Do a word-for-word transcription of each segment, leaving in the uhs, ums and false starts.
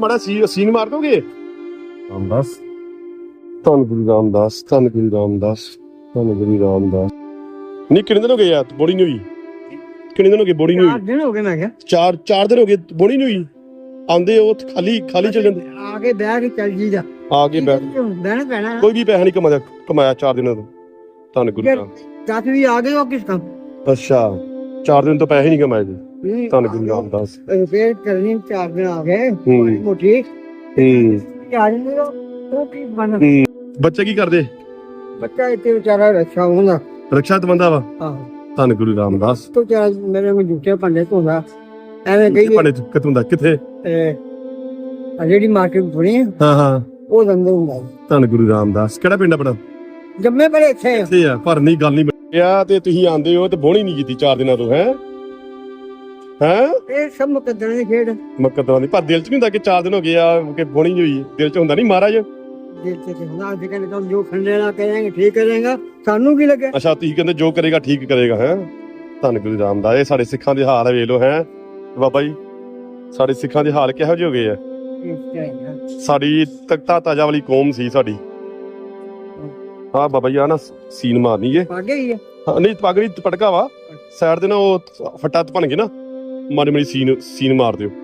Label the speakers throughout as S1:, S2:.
S1: ਮਾੜਾ ਸੀ ਸੀਨ ਮਾਰ ਦੋਗੇ? ਰਾਮਦਾਸ ਧੰਨ ਗੁਰੂ ਰਾਮਦਾਸ, ਧੰਨ ਗੁਰੂ ਰਾਮਦਾਸ, ਧੰਨ ਗੁਰੂ ਰਾਮਦਾਸ। ਨਹੀਂ ਕਿੰਨੇ ਦਿਨ ਹੋ ਗਏ ਯਾਰ ਬੋੜੀ ਨਹੀਂ ਹੋਈ? ਕਿੰਨੇ ਦਿਨ ਹੋ ਗਏ ਬੋੜੀ ਨਹੀਂ ਹੋਈ?
S2: ਚਾਰ ਦਿਨ ਹੋ ਗਏ ਮੈਂ ਕਿਹਾ।
S1: ਚਾਰ ਚਾਰ ਦਿਨ ਹੋ ਗਏ ਬੋੜੀ ਨਹੀਂ ਹੋਈ। ਆਉਂਦੇ ਉਹ ਖਾਲੀ ਖਾਲੀ ਚੱਲ ਜਾਂਦੇ।
S2: ਆ ਕੇ ਬਹਿ ਕੇ ਚੱਲ ਜੀ ਜਾ।
S1: ਆ ਕੇ ਬੈਠ
S2: ਬਹਿਣਾ ਪੈਣਾ।
S1: ਕੋਈ ਵੀ ਪੈਸਾ ਨਹੀਂ ਕਮਾਇਆ ਕਮਾਇਆ ਚਾਰ ਦਿਨਾਂ ਤੋਂ। ਧੰਨ ਗੁਰੂ ਰਾਮ।
S2: ਦਸ ਵੀ ਆ ਗਏ ਉਹ ਕਿਸ ਕੰਮ?
S1: ਅੱਛਾ ਚਾਰ ਦਿਨ ਤੋਂ ਪੈਸੇ ਨਹੀਂ ਕਮਾਏ ਜੀ। ਧੰਨ ਗੁਰੂ ਰਾਮਦਾਸ।
S2: ਫੇਰ ਚੱਲਣੀ ਚਾਰ ਦਿਨ ਆ ਗਏ
S1: ਹੂੰ
S2: ਮੋਟੀ।
S1: ਹੂੰ
S2: ਆ ਜਾਂਦੇ ਉਹ ਕੀ ਬਣ।
S1: ਬੱਚੇ ਕੀ ਕਰਦੇ?
S2: ਬੱਚਾ ਇੱਥੇ ਵਿਚਾਰਾ ਰੱਖਿਆ ਹੁੰਦਾ।
S1: ਰਕਸ਼ਾ ਤੇ ਬੰਦਾ ਵਾ।
S2: ਆਹੋ
S1: ਧੰਨ ਗੁਰੂ ਰਾਮਦਾਸ।
S2: ਤੋ ਚਾਰ ਮੇਰੇ ਕੋਲ ਜੁੱਤੇ ਭਾਂਡੇ ਧੋਂਦਾ ਐਵੇਂ ਕਹੀ
S1: ਭਾਂਡੇ ਕਿਤੋਂ ਦਾ ਕਿੱਥੇ?
S2: ਆ ਜਿਹੜੀ ਮਾਰਕੀਟ ਬਣੀ
S1: ਹਾਂ ਹਾਂ
S2: ਉਹ ਦੰਦੇ ਹੁੰਦਾ।
S1: ਧੰਨ ਗੁਰੂ ਰਾਮਦਾਸ। ਕਿਹੜਾ ਪਿੰਡ ਆਪਣਾ?
S2: ਜੰਮੇ ਬੜੇ ਇੱਥੇ
S1: ਇੱਥੇ ਆ ਪਰ ਨਹੀਂ ਗੱਲ ਨਹੀਂ ਬਣਿਆ ਤੇ ਤੁਸੀਂ ਆਂਦੇ ਹੋ ਤੇ ਬੋਣੀ ਨਹੀਂ ਕੀਤੀ ਚਾਰ ਦਿਨਾਂ ਤੋਂ। ਹੈ ਹੈ
S2: ਇਹ ਸਭ ਮੁਕੱਦਰਾਂ ਦੀ ਖੇਡ।
S1: ਮੁਕੱਦਰਾਂ ਦੀ ਪਰ ਦਿਲ ਚ ਨਹੀਂ ਹੁੰਦਾ ਕਿ ਚਾਰ ਦਿਨ ਹੋ ਗਏ ਆ ਕਿ ਬੋਣੀ ਹੋਈ? ਦਿਲ ਚ ਹੁੰਦਾ ਨਹੀਂ ਮਹਾਰਾਜ?
S2: ਦਿਲ ਚ ਹੁੰਦਾ ਅਸੀਂ ਕਹਿੰਦੇ ਤੁਮ ਜੋ ਖੰਡੇਲਾ ਕਰਾਂਗੇ ਠੀਕ ਕਰੇਗਾ ਸਾਨੂੰ ਕੀ ਲੱਗੇ।
S1: ਅੱਛਾ ਤੁਸੀਂ ਕਹਿੰਦੇ ਜੋ ਕਰੇਗਾ ਠੀਕ ਕਰੇਗਾ। ਹੈ ਧੰਨ ਗੁਰੂ ਰਾਮਦਾਸ। ਇਹ ਸਾਡੇ ਸਿੱਖਾਂ ਦੇ ਹਾਲ ਵੇਖ ਲੋ। ਹੈ ਬਾਬਾ ਜੀ ਸਾਡੇ ਸਿੱਖਾਂ ਦੇ ਹਾਲ ਕਿਹੋ ਜਿਹੇ ਹੋ ਗਏ ਆ? ਸਾਡੀ ਤਖਤਾ ਤਾਜਾ ਵਾਲੀ ਕੌਮ ਸੀ ਸਾਡੀ। ਹਾਂ ਬਾਬਾ ਜੀ ਆ ਨਾ ਸੀਨ ਮਾਰਨੀ ਏ।
S2: ਪਾਗੇ ਹੀ ਆ।
S1: ਹਾਂ ਨਹੀਂ ਪੱਗ ਨਹੀਂ ਪਟਕਾ ਵਾ ਸਾਈਡ ਦੇ ਨਾ ਉਹ ਫੱਟਾ ਬਣ ਕੇ ਨਾ ਮਾੜੀ ਮਾੜੀ ਸੀਨ ਸੀਨ ਮਾਰ ਦਿਓ।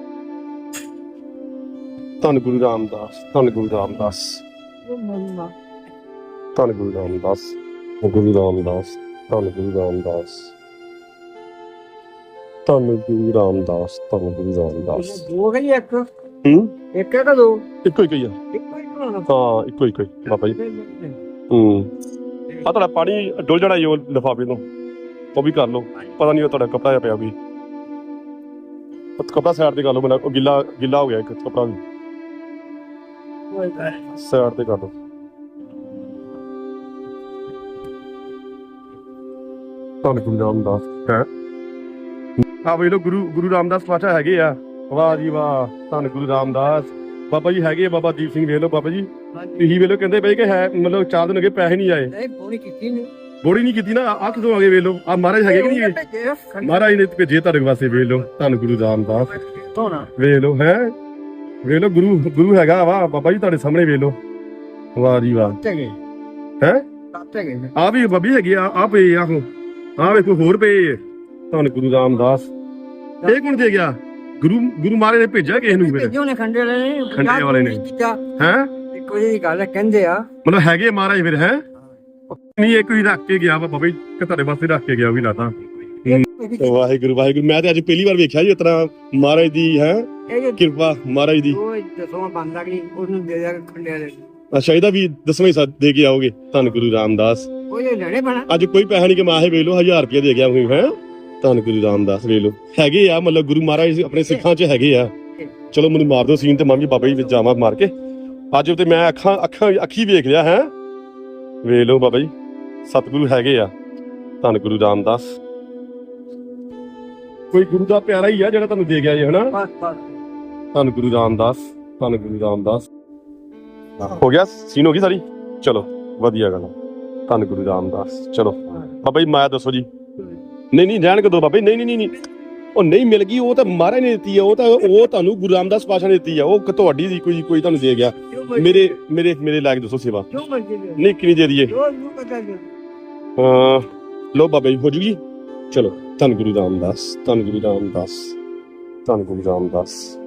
S1: ਧੰਨ ਗੁਰੂ ਰਾਮਦਾਸ, ਧੰਨ ਗੁਰੂ ਰਾਮਦਾਸ, ਧੰਨ ਗੁਰੂ ਰਾਮਦਾਸ, ਗੁਰੂ ਰਾਮਦਾਸ, ਧੰਨ ਗੁਰੂ ਰਾਮਦਾਸ, ਧੰਨ ਗੁਰੂ ਰਾਮਦਾਸ, ਧੰਨ ਗੁਰੂ ਰਾਮਦਾਸ।
S2: ਦੋ ਗਈ ਇੱਕ
S1: ਹੂੰ
S2: ਇੱਕ ਇੱਕ ਦੋ
S1: ਇੱਕੋ ਹੀ ਆ।
S2: ਇੱਕੋ ਹੀ ਬਣਾਉਣਾ।
S1: ਹਾਂ ਇੱਕੋ ਇੱਕੋ ਹੀ ਬਾਬਾ ਜੀ। ਹੂੰ ਆ ਤੁਹਾਡਾ ਪਾਣੀ ਡੁੱਲ ਜਾਣਾ ਜੀ ਉਹ ਲਿਫਾਫੇ ਤੋਂ ਉਹ ਵੀ ਕਰ ਲਓ। ਪਤਾ ਨਹੀਂ ਉਹ ਤੁਹਾਡਾ ਕੱਪੜਾ ਜਿਹਾ ਪਿਆ ਵੀ ਕੱਪੜਾ ਸਾਈਡ ਤੇ ਕਰ ਲਓ। ਉਹ ਗਿੱਲਾ ਗਿੱਲਾ ਹੋ ਗਿਆ ਇੱਕ ਕੱਪੜਾ ਵੀ ਸਾਈਡ ਤੇ ਕਰ ਲਓ। ਧੰਨ ਗੁਰੂ ਰਾਮਦਾਸ। ਹੈ ਆ ਵੇਖ ਲਓ ਗੁਰੂ ਗੁਰੂ ਰਾਮਦਾਸ ਪਾਤਸ਼ਾਹ ਹੈਗੇ ਆ। ਵਾਹ ਜੀ ਵਾਹ ਧੰਨ ਗੁਰੂ ਰਾਮਦਾਸ। ਬਾਬਾ ਜੀ ਹੈਗੇ ਆ ਬਾਬਾ ਦੀਪ ਸਿੰਘ ਵੇਖ ਲਓ। ਬਾਬਾ ਜੀ ਤੁਸੀਂ ਵੇਖ ਲਓ ਕਹਿੰਦੇ ਪਏ ਕਿ ਹੈ ਮਤਲਬ ਚਾਰ ਦਿਨ ਹੋ ਗਏ ਪੈਸੇ ਨਹੀਂ ਆਏ।
S2: ਨਹੀਂ ਬੋੜੀ ਕੀਤੀ ਨਹੀਂ
S1: ਬੋੜੀ ਨਹੀਂ ਕੀਤੀ ਨਾ ਆ ਕਿਦੋਂ ਆ ਗਏ ਵੇਖ ਲਓ। ਆ ਮਹਾਰਾਜ ਹੈਗੇ ਕਿ ਨਹੀਂ ਹੈਗੇ? ਮਹਾਰਾਜ ਨੇ ਭੇਜੇ ਤੁਹਾਡੇ ਵਾਸਤੇ ਵੇਖ ਲਓ। ਧੰਨ ਗੁਰੂ ਰਾਮਦਾਸ ਵੇਖ ਲਓ। ਹੈ ਵੇਖ ਲਓ ਗੁਰੂ ਗੁਰੂ ਹੈਗਾ ਵਾ ਬਾਬਾ ਜੀ ਤੁਹਾਡੇ ਸਾਹਮਣੇ ਵੇਖ ਲਓ। ਵਾਹ ਜੀ ਵਾਹ। ਹੈ ਆ ਵੀ ਬਾਬੀ ਹੈਗੀ ਆ ਆ ਪਏ ਆਹੋ ਆ ਵੇਖੋ ਹੋਰ ਪਏ। ਧੰਨ ਗੁਰੂ ਰਾਮਦਾਸ। ਇਹ ਕੌਣ ਦੇ ਗਿਆ? ਗੁਰੂ ਗੁਰੂ ਮਹਾਰਾਜ ਨੇ ਭੇਜਿਆ ਕਿਸੇ ਨੂੰ?
S2: ਭੇਜੋ ਨੇ ਖੰਡੇ ਵਾਲੇ ਨੇ।
S1: ਖੰਡੇ ਵਾਲੇ ਨੇ ਹੈ
S2: ਇੱਕੋ ਜਿਹੀ ਗੱਲ ਕਹਿੰਦੇ ਆ
S1: ਮਤਲਬ ਹੈਗੇ ਮਹਾਰਾਜ ਫਿਰ। ਹੈ ਨਹੀਂ ਇੱਕ ਹੀ ਰੱਖ ਕੇ ਗਿਆ ਵਾ ਬਾਬਾ ਜੀ ਕਿ ਤੁਹਾਡੇ ਵਾਸਤੇ ਰੱਖ ਕੇ ਗਿਆ ਉਹ ਵੀ ਲਾਤਾ। ਵਾਹਿਗੁਰੂ ਵਾਹਿਗੁਰੂ। ਮੈਂ ਤੇ ਅੱਜ ਪਹਿਲੀ ਵਾਰ ਵੇਖਿਆ ਜੀ ਇਸ ਤਰ੍ਹਾਂ ਮਹਾਰਾਜ ਦੀ ਹੈ ਕਿਰਪਾ ਮਹਾਰਾਜ ਦੀ।
S2: ਉਹ ਦਸਵਾਂ ਬੰਦਾ ਕਿ ਉਹਨੂੰ ਦੇ ਦਿਆ ਖੰਡੇ ਵਾਲੇ।
S1: ਅੱਛਾ ਇਹਦਾ ਵੀ ਦਸਵੇਂ ਸਾਥ ਦੇ ਕੇ ਆਓਗੇ? ਧੰਨ ਗੁਰੂ ਰਾਮਦਾਸ।
S2: ਉਹ ਇਹ ਲੜੇ ਬਣਾ
S1: ਅੱਜ ਕੋਈ ਪੈਸਾ ਨਹੀਂ ਕਮਾਇਆ ਵੇਖ ਲਓ। ਹਜ਼ਾਰ ਰੁਪਇਆ ਦੇ ਗਿਆ ਹੋਈ। ਹੈ ਧੰਨ ਗੁਰੂ ਰਾਮਦਾਸ ਵੇਖ ਲਓ ਹੈਗੇ ਆ ਮਤਲਬ ਗੁਰੂ ਮਹਾਰਾਜ ਆਪਣੇ ਸਿੱਖਾਂ 'ਚ ਹੈਗੇ ਆ। ਚਲੋ ਮੈਨੂੰ ਮਾਰ ਦਿਓ ਸੀਨ ਤੇ ਮੈਂ ਵੀ ਬਾਬਾ ਜੀ ਵਿੱਚ ਜਾਵਾਂ ਮਾਰ ਕੇ। ਅੱਜ ਤੇ ਮੈਂ ਅੱਖਾਂ ਅੱਖਾਂ ਅੱਖੀ ਵੇਖ ਲਿਆ। ਹੈ ਵੇਖ ਲਓ ਬਾਬਾ ਜੀ ਸਤਿਗੁਰੂ ਹੈਗੇ ਆ। ਧੰਨ ਗੁਰੂ ਰਾਮਦਾਸ। ਕੋਈ ਗੁਰੂ ਦਾ ਪਿਆਰਾ ਹੀ ਆ ਜਿਹੜਾ ਤੁਹਾਨੂੰ ਦੇ ਗਿਆ ਜੀ। ਹਨਾ ਧੰਨ ਗੁਰੂ ਰਾਮਦਾਸ, ਧੰਨ ਗੁਰੂ ਰਾਮਦਾਸ। ਹੋ ਗਿਆ ਸੀਨ ਹੋ ਗਈ ਸਾਰੀ। ਚਲੋ ਵਧੀਆ ਗੱਲ। ਧੰਨ ਗੁਰੂ ਰਾਮਦਾਸ। ਚਲੋ ਬਾਬਾ ਜੀ ਮਾਇਆ ਦੱਸੋ ਜੀ। ਨਹੀਂ ਨਹੀਂ ਰਹਿਣ ਕਦੋਂ ਬਾਬਾ ਜੀ। ਨਹੀਂ ਨਹੀਂ ਨਹੀਂ ਉਹ ਨਹੀਂ ਮਿਲ ਗਈ ਉਹ ਤਾਂ ਮਹਾਰਾਜ ਨੇ ਦਿੱਤੀ ਆ। ਉਹ ਤਾਂ ਉਹ ਤੁਹਾਨੂੰ ਗੁਰੂ ਰਾਮਦਾਸ ਪਾਤਸ਼ਾਹ ਨੇ ਦਿੱਤੀ ਆ। ਉਹ ਤੁਹਾਡੀ ਦੀ ਕੋਈ ਕੋਈ ਤੁਹਾਨੂੰ ਦੇ ਗਿਆ। ਮੇਰੇ ਮੇਰੇ ਮੇਰੇ ਲਾਇਕ ਦੱਸੋ ਸੇਵਾ। ਨਹੀਂ ਕਿੰਨੀ ਦੇ ਦਈਏ? ਹਾਂ ਲੋ ਬਾਬਾ ਜੀ ਹੋ ਜੂਗੀ। ਚਲੋ ਧੰਨ ਗੁਰੂ ਰਾਮਦਾਸ, ਧੰਨ ਗੁਰੂ ਰਾਮਦਾਸ, ਧੰਨ ਗੁਰੂ ਰਾਮਦਾਸ।